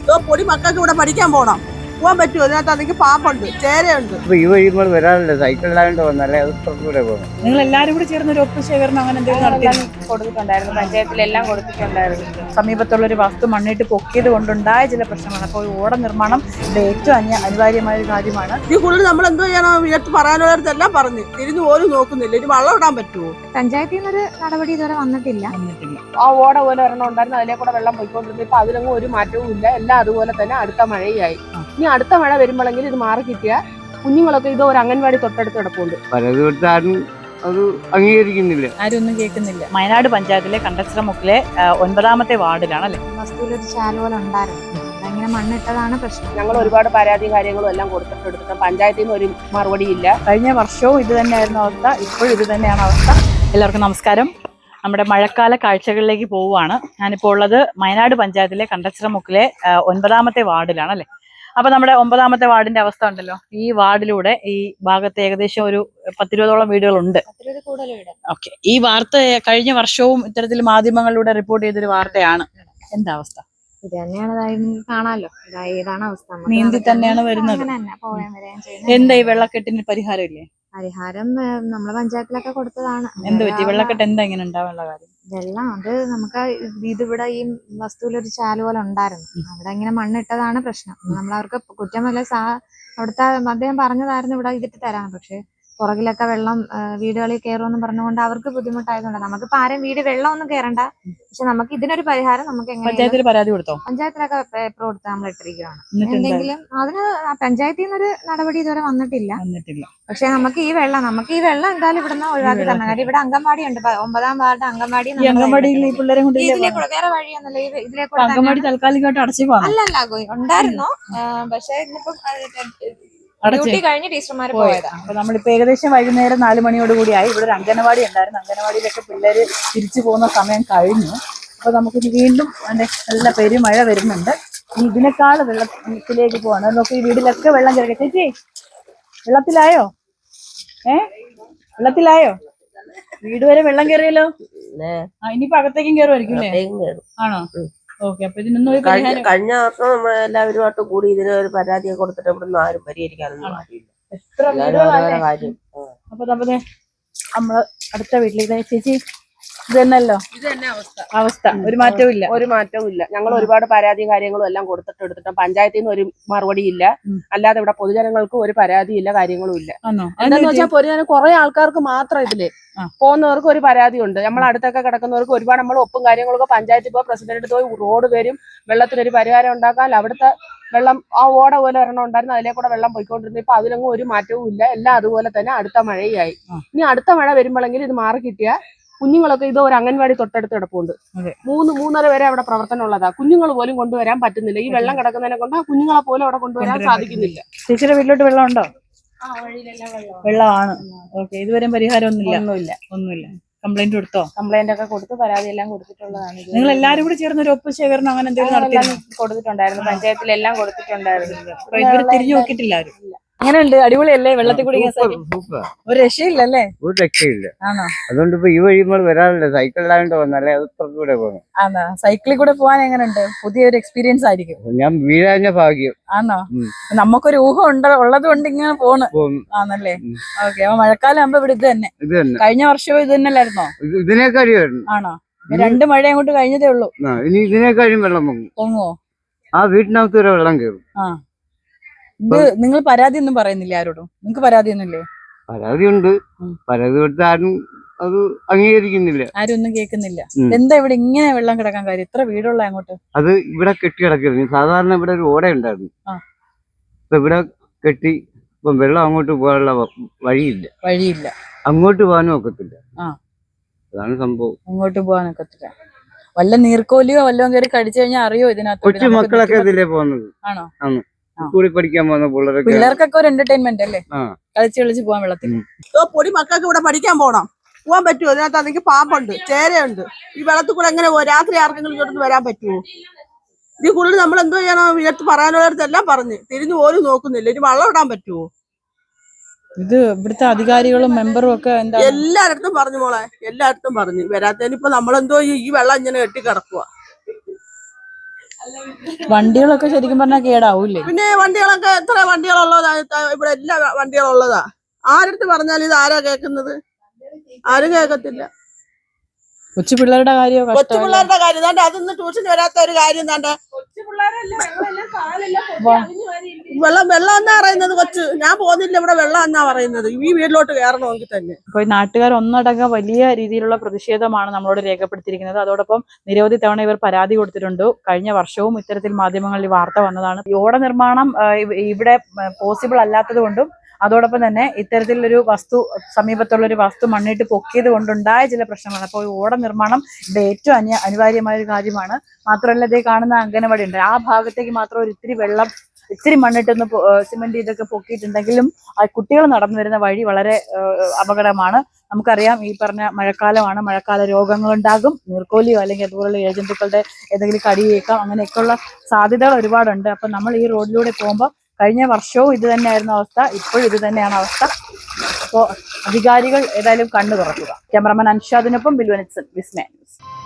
പൊടി മക്കൾക്ക് ഇവിടെ പഠിക്കാൻ പോകണം. പോകാൻ പറ്റുമോ? അതിനകത്ത് അതെങ്കിൽ പാമ്പുണ്ട്, ചേരയുണ്ട്. ഈ വഴി നമ്മൾ വരാറില്ല, സൈക്കിളിലാണ്ട് വന്നല്ലേ അത് പുറത്തൂടെ പോകും. നിങ്ങൾ എല്ലാവരും കൂടി ചേർന്ന് ഒരു ഒപ്പ് ശേഖരണം അങ്ങനെ എന്തെങ്കിലും കൊടുത്തിട്ടുണ്ടായിരുന്നു, പഞ്ചായത്തിലെല്ലാം കൊടുത്തിട്ടുണ്ടായിരുന്നു. സമീപത്തുള്ള ഒരു വസ്തു മണ്ണിട്ട് പൊക്കിയത് കൊണ്ടുണ്ടായ ചില പ്രശ്നങ്ങളാണ്. അപ്പോൾ ഓട നിർമ്മാണം ഇത് ഏറ്റവും അനിവാര്യമായ ഒരു കാര്യമാണ്. ഈ കൂടുതൽ നമ്മൾ എന്തോ ചെയ്യണം? ഇടത്ത് പറയാനുള്ളവരെല്ലാം പറഞ്ഞ് തിരിഞ്ഞു പോലും നോക്കുന്നില്ല. ഇനി വെള്ളം ഇടാൻ പറ്റുമോ? പഞ്ചായത്തിൽ നിന്നൊരു നടപടി ഇതുവരെ വന്നിട്ടില്ല. ആ ഓട പോലെ ഒരെണ്ണം ഉണ്ടായിരുന്നു, അതിലെ കൂടെ വെള്ളം പോയിക്കൊണ്ടിരുന്നു. ഇപ്പൊ അതിലൊന്നും ഒരു മാറ്റവും ഇല്ല, എല്ലാം അതുപോലെ തന്നെ. അടുത്ത മഴയായി. ഇനി അടുത്ത മഴ വരുമ്പോഴെങ്കിൽ ഇത് മാറി കിട്ടിയ കുഞ്ഞുങ്ങളൊക്കെ ഇത് ഒരു അംഗൻവാടി തൊട്ടടുത്ത് കിടപ്പുണ്ട്. പലത് കൊടുത്താലും അത് അംഗീകരിക്കുന്നില്ല, ആരും ഒന്നും കേൾക്കുന്നില്ല. വയനാട് പഞ്ചായത്തിലെ കണ്ടച്ചിറമുക്കിലെ 9ാമത്തെ വാർഡിലാണ് അല്ലെ വസ്തുവിലൊരു ചാല് പോലെ ഉണ്ടായിരുന്നു, അതങ്ങനെ മണ്ണിട്ടതാണ് പ്രശ്നം. ഞങ്ങൾ ഒരുപാട് പരാതി കാര്യങ്ങളും എല്ലാം കൊടുത്തിട്ട് പഞ്ചായത്തിൽ നിന്ന് ഒരു മറുപടി ഇല്ല. കഴിഞ്ഞ വർഷവും ഇത് തന്നെയായിരുന്നു അവസ്ഥ, ഇപ്പോഴും ഇത് തന്നെയാണ് അവസ്ഥ. എല്ലാവർക്കും നമസ്കാരം. നമ്മുടെ മഴക്കാല കാഴ്ചകളിലേക്ക് പോവുകയാണ്. ഞാനിപ്പോൾ ഉള്ളത് വയനാട് പഞ്ചായത്തിലെ കണ്ടച്ചിറമുക്കിലെ 9ാമത്തെ വാർഡിലാണ് അല്ലെ. അപ്പൊ നമ്മുടെ 9ാമത്തെ വാർഡിന്റെ അവസ്ഥ ഉണ്ടല്ലോ, ഈ വാർഡിലൂടെ ഈ ഭാഗത്ത് ഏകദേശം ഒരു 10-20ഓളം വീടുകളുണ്ട്. ഓക്കെ, ഈ വാർത്ത കഴിഞ്ഞ വർഷവും ഇത്തരത്തിൽ മാധ്യമങ്ങളിലൂടെ റിപ്പോർട്ട് ചെയ്തൊരു വാർത്തയാണ്. എന്താ അവസ്ഥ? ഇത് തന്നെയാണ് കാണാലോ, ഇതാണ് അവസ്ഥ. നീന്തി തന്നെയാണ് വരുന്നത്. എന്താ ഈ വെള്ളക്കെട്ടിന് പരിഹാരം ഇല്ലേ? പരിഹാരം നമ്മളെ പഞ്ചായത്തിലൊക്കെ കൊടുത്തതാണ്. എന്ത് പറ്റി? വെള്ളക്കെട്ട് എന്താ ഇങ്ങനെ ഉണ്ടാവാനുള്ള കാര്യം? വെള്ളം അത് നമുക്ക് ഇതിവിടെ ഈ വസ്തുവിലൊരു ചാല് പോലെ ഉണ്ടായിരുന്നു, അവിടെ ഇങ്ങനെ മണ്ണിട്ടതാണ് പ്രശ്നം. നമ്മളവർക്ക് കുറ്റമല്ല, അവിടുത്തെ അദ്ദേഹം പറഞ്ഞതായിരുന്നു ഇവിടെ ഇതിട്ട് തരാം. പക്ഷെ പുറകിലൊക്കെ വെള്ളം വീടുകളിൽ കയറുമെന്ന് പറഞ്ഞുകൊണ്ട് അവർക്ക് ബുദ്ധിമുട്ടായതുകൊണ്ട് നമുക്കിപ്പോ ആരും വീട് വെള്ളം ഒന്നും കയറണ്ട. പക്ഷെ നമുക്ക് ഇതിനൊരു പരിഹാരം നമുക്ക് പഞ്ചായത്തിൽ പരാതി കൊടുത്തോ? പഞ്ചായത്തിലൊക്കെ പേപ്പർ കൊടുത്ത് നമ്മൾ ഇട്ടിരിക്കുകയാണ്. എന്തെങ്കിലും അതിന് പഞ്ചായത്തിൽ നിന്നൊരു നടപടി ഇതുവരെ വന്നിട്ടില്ല. പക്ഷെ നമുക്ക് ഈ വെള്ളം എന്തായാലും ഇവിടുന്ന് ഒഴിവാക്കി തരണം. കാര്യം ഇവിടെ അംഗൻവാടി ഉണ്ട്, 9ാം വാർഡ് അംഗൻവാടി. വേറെ വഴിയൊന്നുമില്ല, ഇതിലേക്കൂടെ അംഗൻവാടി താൽക്കാലികമായിട്ട് അടച്ചു അല്ലല്ല ഉണ്ടായിരുന്നു. പക്ഷെ ഇന്നിപ്പോ ഡ്യൂട്ടി കഴിഞ്ഞ് ടീച്ചർമാർ പോയതാ. അപ്പൊ നമ്മളിപ്പോ ഏകദേശം വൈകുന്നേരം 4 മണിയോടുകൂടിയായി. ഇവിടെ ഒരു അംഗനവാടി ഉണ്ടായിരുന്നു, അംഗനവാടിയിലൊക്കെ പിള്ളേര് തിരിച്ചു പോകുന്ന സമയം കഴിഞ്ഞു. അപ്പൊ നമുക്കിനി വീണ്ടും നല്ല പെരുമഴ വരുന്നുണ്ട്. ഇനി ഇതിനേക്കാൾ വെള്ളത്തിലേക്ക് പോവാണ്. നോക്കി ഈ വീട്ടിലൊക്കെ വെള്ളം കയറി. ചേച്ചി വെള്ളത്തിലായോ? വെള്ളത്തിലായോ? വീട് വരെ വെള്ളം കയറിയല്ലോ. ഇനിയിപ്പോ അകത്തേക്കും കയറുമായിരിക്കും അല്ലേ? ആണോ? ഓക്കെ, അപ്പൊ ഇതിനൊന്നും കഴിഞ്ഞ വർഷം നമ്മൾ എല്ലാവരുമായിട്ട് കൂടി ഇതിനൊരു പരാതിയൊക്കെ കൊടുത്തിട്ട് ഇവിടുന്ന് ആരും പരിഹരിക്കാനൊന്നും ആരില്ല. അപ്പൊ നമ്മള് അടുത്ത വീട്ടിലേക്ക് ചേച്ചി ഇത് തന്നെയല്ലോ അവസ്ഥ, ഒരു മാറ്റവും ഇല്ല. ഞങ്ങൾ ഒരുപാട് പരാതി കാര്യങ്ങളും എല്ലാം കൊടുത്തിട്ട് പഞ്ചായത്തിൽ നിന്ന് ഒരു മറുപടി ഇല്ല. അല്ലാതെ ഇവിടെ പൊതുജനങ്ങൾക്ക് ഒരു പരാതിയില്ല, കാര്യങ്ങളും ഇല്ല. എന്താന്ന് വെച്ചാൽ പൊതുജനം കുറെ ആൾക്കാർക്ക് മാത്രം ഇതില് പോകുന്നവർക്ക് ഒരു പരാതി ഉണ്ട്. നമ്മൾ അടുത്തൊക്കെ കിടക്കുന്നവർക്ക് ഒരുപാട് നമ്മൾ ഒപ്പും കാര്യങ്ങളൊക്കെ പഞ്ചായത്തിൽ പോയി പ്രസിഡന്റ് പോയി റോഡ് വരും, വെള്ളത്തിനൊരു പരിഹാരം ഉണ്ടാക്കാൻ. അവിടുത്തെ വെള്ളം ആ ഓട പോലെ ഒരെണ്ണം ഉണ്ടായിരുന്നു, അതിലെ കൂടെ വെള്ളം പോയിക്കൊണ്ടിരുന്നു. ഇപ്പൊ അതിലൊന്നും ഒരു മാറ്റവും ഇല്ല, എല്ലാം അതുപോലെ തന്നെ. അടുത്ത മഴയായി. ഇനി അടുത്ത മഴ വരുമ്പോഴെങ്കിൽ ഇത് മാറി കിട്ടിയ കുഞ്ഞുങ്ങളൊക്കെ ഇത് ഒരു അംഗൻവാടി തൊട്ടടുത്ത് കിടപ്പുണ്ട്. 3-3:30 വരെ അവിടെ പ്രവർത്തനം ഉള്ളതാ. കുഞ്ഞുങ്ങൾ പോലും കൊണ്ടുവരാൻ പറ്റുന്നില്ല. ഈ വെള്ളം കിടക്കുന്നതിനെ കൊണ്ട് ആ കുഞ്ഞുങ്ങളെ പോലും അവിടെ കൊണ്ടുവരാൻ സാധിക്കുന്നില്ല. ചേച്ചിയുടെ വീട്ടിലോട്ട് വെള്ളം ഉണ്ടോ? വെള്ളമാണ്. ഓക്കെ, ഇതുവരെ പരിഹാരം ഒന്നുമില്ല. കംപ്ലൈന്റ് കൊടുത്തോ? കംപ്ലൈന്റ് ഒക്കെ കൊടുത്ത് പരാതി എല്ലാം കൊടുത്തിട്ടുള്ളതാണ്. നിങ്ങൾ എല്ലാവരും കൂടി ചേർന്ന് ഒരു ഒപ്പ് ശേഖരണം അങ്ങനെ എന്തെങ്കിലും കൊടുത്തിട്ടുണ്ടായിരുന്നു, പഞ്ചായത്തിലെല്ലാം കൊടുത്തിട്ടുണ്ടായിരുന്നു. ഇതുവരെ തിരിഞ്ഞു നോക്കിയിട്ടില്ല ആരും. അങ്ങനെയുണ്ട്, അടിപൊളിയല്ലേ? വെള്ളത്തിൽ കൂടി ഒരു രക്ഷയില്ലല്ലേ? ഒരു രക്ഷയില്ല. ആണോ? അതുകൊണ്ട് ഇപ്പൊ ഈ വഴി നമ്മൾ വരാറില്ല, സൈക്കിളിലാണ്ട് വന്നല്ലേ അത് പുറത്തൂടെ പോകും. ആണോ? സൈക്കിളിൽ കൂടെ പോകാൻ എങ്ങനെയുണ്ട്? പുതിയൊരു എക്സ്പീരിയൻസ് ആയിരിക്കും. ഞാൻ വീഴാഞ്ഞ ഭാഗ്യം. ആണോ? നമുക്കൊരു ഊഹം ഉള്ളത് കൊണ്ട് ഇങ്ങനെ പോണ് ആണല്ലേ? ഓക്കെ, അപ്പൊ മഴക്കാലം ആകുമ്പോ ഇവിടെ ഇത് തന്നെ. കഴിഞ്ഞ വർഷവും ഇത് തന്നെയല്ലായിരുന്നോ? ഇതിനേക്കാളും. ആണോ? 2 മഴ അങ്ങോട്ട് കഴിഞ്ഞതേ ഉള്ളൂ. ഇനി ഇതിനേക്കാളും വെള്ളം പൊങ്ങോ? ആ വീട്ടിനകത്ത് വരെ വെള്ളം കയറും. ഇത് നിങ്ങൾ പരാതി ഒന്നും പറയുന്നില്ല ആരോടും? നിങ്ങൾക്ക് പരാതിയൊന്നുമില്ലേ? പരാതിയുണ്ട്, പരാതി കൊടുത്ത് ആരും അത് അംഗീകരിക്കുന്നില്ല, ആരും ഒന്നും കേൾക്കുന്നില്ല. എന്താ ഇവിടെ ഇങ്ങനെ വെള്ളം കിടക്കാൻ കാര്യം? ഇത്ര വീടുള്ള അങ്ങോട്ട് അത് ഇവിടെ കെട്ടി കിടക്കരുത്. സാധാരണ ഇവിടെ ഒരു ഓട ഉണ്ടായിരുന്നു, ഇപ്പൊ ഇവിടെ കെട്ടി. ഇപ്പം വെള്ളം അങ്ങോട്ട് പോകാനുള്ള വഴിയില്ല, അങ്ങോട്ട് പോകാനും ഒക്കത്തില്ല. അതാണ് സംഭവം. അങ്ങോട്ട് പോകാനൊക്കത്തില്ല. വല്ല നീർക്കോലിയോ വല്ലതും കയറി കടിച്ചു കഴിഞ്ഞാൽ അറിയോ ഇതിനകത്ത്? കൊച്ചു മക്കളൊക്കെ ഇതിലേ പോകുന്നത്. ആണോ? സ്കൂളിൽ പഠിക്കാൻ പോകുന്ന പിള്ളേർക്കൊക്കെ ഒരു എന്റർടൈൻമെന്റ് അല്ലേ, കളിച്ച് പോവാൻ വെള്ളത്തിൽ. പൊടി മക്കൾക്ക് ഇവിടെ പഠിക്കാൻ പോകണം. പോകാൻ പറ്റുമോ? അതിനകത്ത് അതെങ്കിൽ പാമ്പുണ്ട്, ചേരയുണ്ട്. ഈ വെള്ളത്തിൽ കൂടെ എങ്ങനെ രാത്രി ആർക്കെങ്കിലും ഇങ്ങോട്ട് വരാൻ പറ്റുമോ? ഇതിൽ കൂടുതൽ നമ്മൾ എന്തോ ചെയ്യണം? ഇടത്ത് പറയാനുള്ളവരെല്ലാം പറഞ്ഞ് തിരിഞ്ഞു പോലും നോക്കുന്നില്ല. ഇനി വെള്ളം ഇടാൻ പറ്റുമോ? ഇത് ഇവിടുത്തെ അധികാരികളും മെമ്പറും ഒക്കെ എല്ലായിടത്തും പറഞ്ഞു മോളെ, എല്ലായിടത്തും പറഞ്ഞു. വരാത്തതിന് ഇപ്പൊ നമ്മളെന്തോ ഈ വെള്ളം ഇങ്ങനെ കെട്ടി കിടക്കുക. വണ്ടികളൊക്കെ ശരിക്കും പറഞ്ഞാൽ കേടാവൂല്ലേ? പിന്നെ വണ്ടികളൊക്കെ എത്ര വണ്ടികളുള്ളതാ ഇവിടെ, എല്ലാ വണ്ടികളുള്ളതാ. ആരടുത്ത് പറഞ്ഞാലും ഇത് ആരാ കേൾക്കുന്നത്? ആരും കേൾക്കത്തില്ല. കൊച്ചു പിള്ളേരുടെ കാര്യമോ? കൊച്ചു പിള്ളേരുടെ കാര്യം താണ്ട് അതൊന്നും ട്യൂഷന് വരാത്ത ഒരു കാര്യം താണ്ട് വെള്ളം എന്നാ പറയുന്നത്. കൊച്ചു ഞാൻ പോകുന്നില്ല, ഇവിടെ വെള്ളം എന്നാ പറയുന്നത്. ഈ വീട്ടിലോട്ട് കയറണമെങ്കിൽ തന്നെ. അപ്പൊ നാട്ടുകാർ ഒന്നടങ്കം വലിയ രീതിയിലുള്ള പ്രതിഷേധമാണ് നമ്മളോട് രേഖപ്പെടുത്തിയിരിക്കുന്നത്. അതോടൊപ്പം നിരവധി തവണ ഇവർ പരാതി കൊടുത്തിട്ടുണ്ട്. കഴിഞ്ഞ വർഷവും ഇത്തരത്തിൽ മാധ്യമങ്ങളിൽ വാർത്ത വന്നതാണ്. ഈ ഓട നിർമ്മാണം ഇവിടെ പോസിബിൾ അല്ലാത്തത് കൊണ്ടും അതോടൊപ്പം തന്നെ ഇത്തരത്തിലൊരു വസ്തു, സമീപത്തുള്ള ഒരു വസ്തു മണ്ണിട്ട് പൊക്കിയത് കൊണ്ടുണ്ടായ ചില പ്രശ്നങ്ങളാണ്. അപ്പോൾ ഓട നിർമ്മാണം ഇവിടെ ഏറ്റവും അനിവാര്യമായ ഒരു കാര്യമാണ്. മാത്രമല്ല, ഇതേ കാണുന്ന അംഗനവാടി ഉണ്ട്, ആ ഭാഗത്തേക്ക് മാത്രം ഒരു ഇത്തിരി വെള്ളം, ഇത്തിരി മണ്ണിട്ടൊന്ന് സിമെന്റ് ഇതൊക്കെ പൊക്കിയിട്ടുണ്ടെങ്കിലും ആ കുട്ടികൾ നടന്നു വരുന്ന വഴി വളരെ അപകടമാണ്. നമുക്കറിയാം, ഈ പറഞ്ഞ മഴക്കാലമാണ്, മഴക്കാല രോഗങ്ങളുണ്ടാകും, നീർക്കോലിയോ അല്ലെങ്കിൽ അതുപോലുള്ള ഏജന്റുക്കളുടെ ഏതെങ്കിലും കടിയേക്കാം, അങ്ങനെയൊക്കെയുള്ള സാധ്യതകൾ ഒരുപാടുണ്ട്. അപ്പം നമ്മൾ ഈ റോഡിലൂടെ പോകുമ്പോൾ കഴിഞ്ഞ വർഷവും ഇത് തന്നെയായിരുന്നു അവസ്ഥ, ഇപ്പോഴും ഇത് തന്നെയാണ് അവസ്ഥ. അപ്പോൾ അധികാരികൾ ഏതായാലും കണ്ണു തുറക്കുക. ക്യാമറമാൻ അൻഷാദിനൊപ്പം ബിൽവനിത്സൻ, വിസ്മയ ന്യൂസ്.